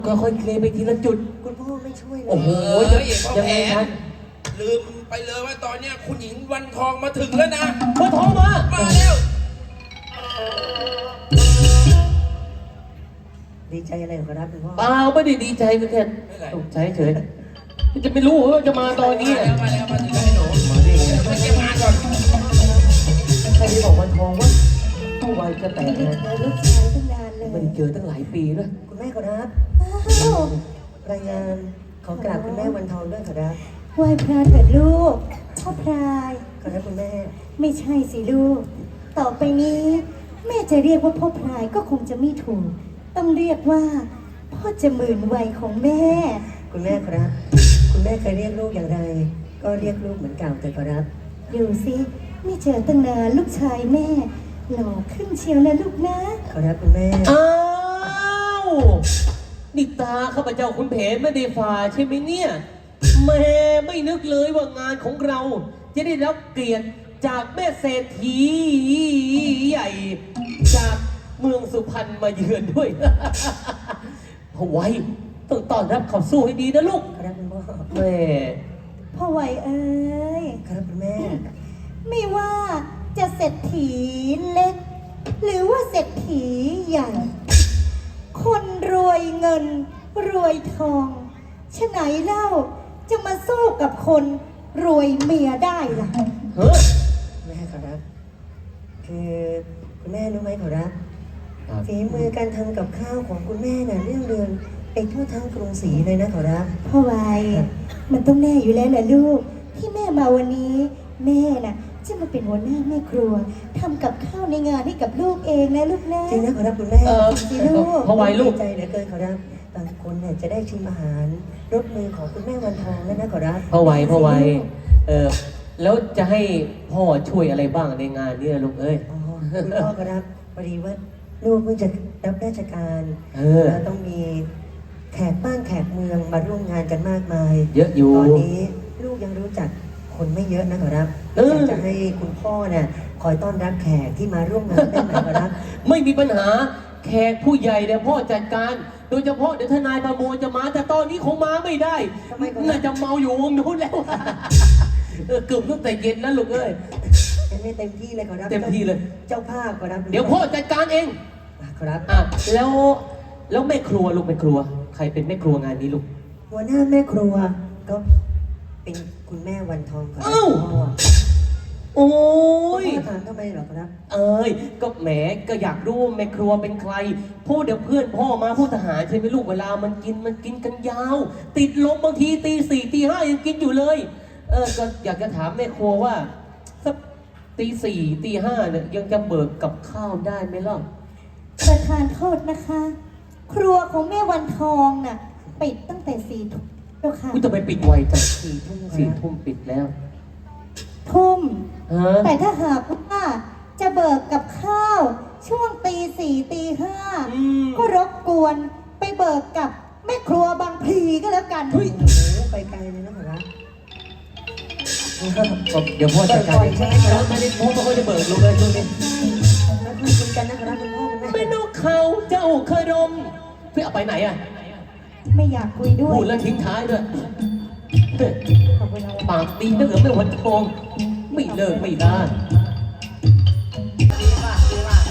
ค่อยๆเคลียร์ไปทีละจุดคุณพ่อไม่ช่วยเลยโอ้โหยังไงกันลืมไปเลยว่าตอนเนี้ยคุณหญิงวันทองมาถึงแล้วนะวันทองมาแล้วดีใจอะไรขอรับคุณพ่อเปล่าไม่ได้ดีใจก็แค่ตกใจเฉยจะไม่รู้ว่าจะมาตอนนี้มาแล้วมาถึงแล้วให้หนูมาดิมาเก็บงานก่อนใครที่บอกวันทองว่าเมื่อวานจะแต่งงานลูกชายตั้งนานเลยไม่ได้เจอตั้งหลายปีด้วยคุณแม่ขอรับรายงานขอกราบคุณแม่วันทองด้วยขอรับไหว้พระเถิดลูกพ่อพรายขอรับคุณแม่ไม่ใช่สิลูกต่อไปนี้แม่จะเรียกว่าพ่อพรายก็คงจะไม่ถูกต้องเรียกว่าพ่อจะหมื่นวัยของแม่คุณแม่ครับคุณแม่เคยเรียกลูกอย่างไรก็เรียกลูกเหมือนเก่าแต่ขอรับดูสิไม่เจอตั้งนานลูกชายแม่หล่อขึ้นเชียวนะลูกนะขอรับคุณแม่อ้าวนี่ตาข้าพเจ้าคุณเพนไม่ได้ฝ่าใช่ไหมเนี่ยแม่ไม่นึกเลยว่างานของเราจะได้รับเกียรติจากแม่เศรษฐีใหญ่จากเมืองสุพรรณมาเยือนด้วยเอาไว้ต้องต้อนรับเขาสู้ให้ดีนะลูกครับคุณพ่อแม่พ่อไหวเอ้ยครับคุณแม่ไม่ว่าจะเศรษฐีเล็กหรือว่าเศรษฐีใหญ่คนรวยเงินรวยทองฉะไหนเล่าจะมาสู้กับคนรวยเมียได้ล่ะแม่ขอรับคือคุณแม่รู้ไหมขอรับฝีมือการทำกับข้าวของคุณแม่น่ะเรื่องเรืองไปทั่วทั้งกรุงศรีเลยนะขอรับพ่อไวมันต้องแน่อยู่แล้วแหละลูกที่แม่มาวันนี้แม่น่ะจะมาเป็นหัวหน้าแม่ครัวทำกับข้าวในงานให้กับลูกเองนะลูกนะจริงนะขอรับคุณแม่สิลูกพ่อไวลูกใจเหลือเกินขอรับบางคนเนี่ยจะได้ชิมอาหารรสมือของคุณแม่วันทองแล้วนะขอรับพ่อไวแล้วจะให้พ่อช่วยอะไรบ้างในงานนี้ลูกเอ้ยคุณพ่อขอรับพอดีว่าลูกเพิ่งจะรับราชการแล้วต้องมีแขกบ้านแขกเมืองมาร่วมงานกันมากมายเยอะอยู่ตอนนี้ลูกยังรู้จักคนไม่เยอะนะขอรับอยากจะให้คุณพ่อเนี่ยคอยต้อนรับแขกที่มาร่วมงานได้ไหมขอรับไม่มีปัญหาแขกผู้ใหญ่เนี่ยพ่อจัดการโดยเฉพาะเดี๋ยวทนายประโมจะมาแต่ตอนนี้คงมาไม่ได้น่าจะเมาอยู่วงนู้นแล้วเกือบตั้งแต่เย็นแล้วลูกเอ้ยไม่เต็มที่เลยขอรับเต็มที่เลยเจ้าภาพขอรับเดี๋ยวพ่อจัดการเองขอรับแล้วแม่ครัวลูกแม่ครัวใครเป็นแม่ครัวงานนี้ลูกหัวหน้าแม่ครัวก็เป็นคุณแม่วันทองขอรับโอ้ยถามทำไมหรอครับก็แหมก็อยากรู้แม่ครัวเป็นใครพูดเดี๋ยวเพื่อนพ่อมาผู้ทหารใช่ไหมลูกเวลามันกินกันยาวติดลมบางทีตี 4 ตี 5ยังกินอยู่เลยก็อยากจะถามแม่ครัวว่าสักตี 4 ตี 5เนี่ยยังจะเบิกกับข้าวได้ไหมล่ะประทานโทษนะคะครัวของแม่วันทองน่ะปิดตั้งแต่4 ทุ่มแล้วค่ะจะไปปิดไวจัง4 ทุ่มปิดแล้วทุ่มแต่ถ้าหากว่าจะเบิกกับข้าวช่วงตี 4 ตี 5ก็รบกวนไปเบิกกับแม่ครัวบางพลีก็แล้วกันไปไกลเลยนะครัเดี๋ยวพ่อจัดการเองแล้วไม่ได้พ่อไม่ค่อยจะเบิกลูกเลยช่วงนี้แล้วคุยกันนะครับคุณพ่อคุณแม่ไม่นกเขาเจ้าเคยดมเพื่อไปไหนอ่ะไม่อยากคุยด้วยพูดแล้วทิ้งท้ายด้วยปากดีนักเหลือไม่วันทองไม่เลิกไม่ได้ดีมาก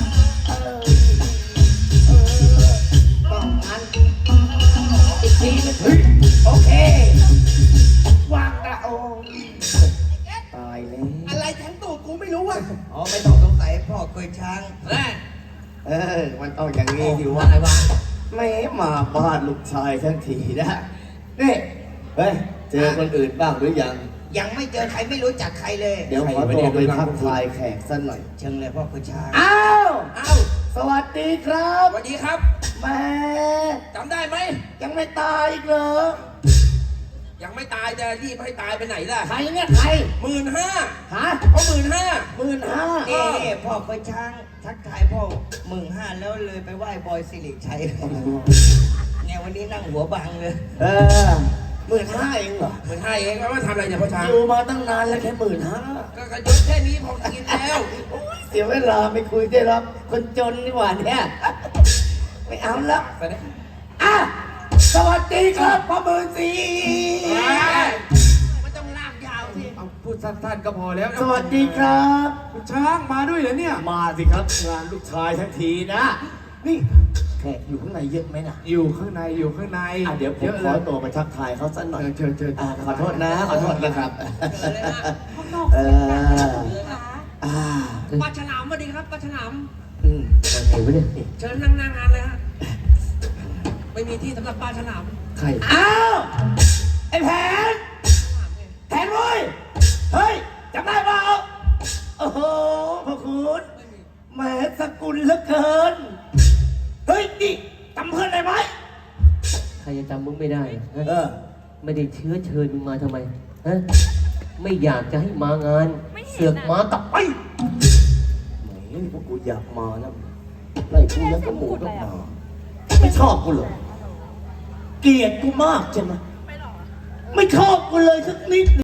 ต้องงั้นอีกทีนึงโอเควางนะโอ้ตายเลยอะไรทั้งตูดกูไม่รู้ว่ะอ๋อไม่ต้องสงสัยพ่อเคยช้างมันต้องอย่างนี้อยู่ว่าอะไรวะไม่มาบ้านลูกชายทั้งทีนะนี่เฮ้ยเจอคนอื่นบ้างหรือยังไม่เจอใครไม่รู้จักใครเลยเดี๋ยวขอตัวไปทักทายแขกสักหน่อยเชิญเลยพ่อคุณชายอ้าวสวัสดีครับสวัสดีครับแม่จำได้ไหมยังไม่ตายอีกเหรอยังไม่ตายจะรีบให้ตายไปไหนล่ะใครเนี่ยใคร 15,000 ฮะเขา15,000 พ่อเคยช้างทักทายพ่อ15,000แล้วเลยไปไหว้บอยสิริชัยเนี่ยวันนี้นั่งหัวบังเลย15,000เองเหรอ 15,000เองว่าทำอะไรเนี่ยพ่อช้างอยู่มาตั้งนานแล้วแค่ 15,000ก็กระยศแค่นี้พอกินแล้วเสียเวลาไม่คุยได้หรอกคนจนนี่หว่าเนี่ยไม่เอาละสวัสดีครับพ่อหมื่นสีมันต้องลากยาวสิเอาพูดสั้นๆก็พอแล้วสวัสดีครับคุณช้างมาด้วยเหรอเนี่ยมาสิครับงานลูกชายทั้งทีนะ นี่แขกอยู่ข้างในเยอะไหมนะอยู่ข้างในอยู่ข้างในเดี๋ยวผมเยอะขเลอย ตัวไปทักทายเขาสักหน่อยเชิญเชิญขอโทษนะขอโทษนะครับเจอเลยนะข้างนอกเอเสียงดังอนะคะอ่าปลาฉลามสวัสดีครับปลาฉลามอืมยังไงวะเนี่ยเชิญนั่งหน้างานเลยฮะ ไม่มีที่สำหรับปลาฉลามใครอ้าวไอ้แผนแผนเว้ยเฮ้ยจำได้เปล่าโอ้โหพระคุณแหมสกุลเหลือเกินเฮ้ยนี่จำเพื่อนได้ไหมใครจะจำมึงไม่ได้ฮะเออไม่ได้เชื้อเชิญมึงมาทำไมฮะไม่อยากจะให้มางาน เสือกมากลับไปแหมนี่พวกกูอยากมานะไล่กูยังกระหมูต้องมาไม่ชอบกูเหรอเกลียดกูมากใช่ไหมไม่ชอบกูเลยสักนิด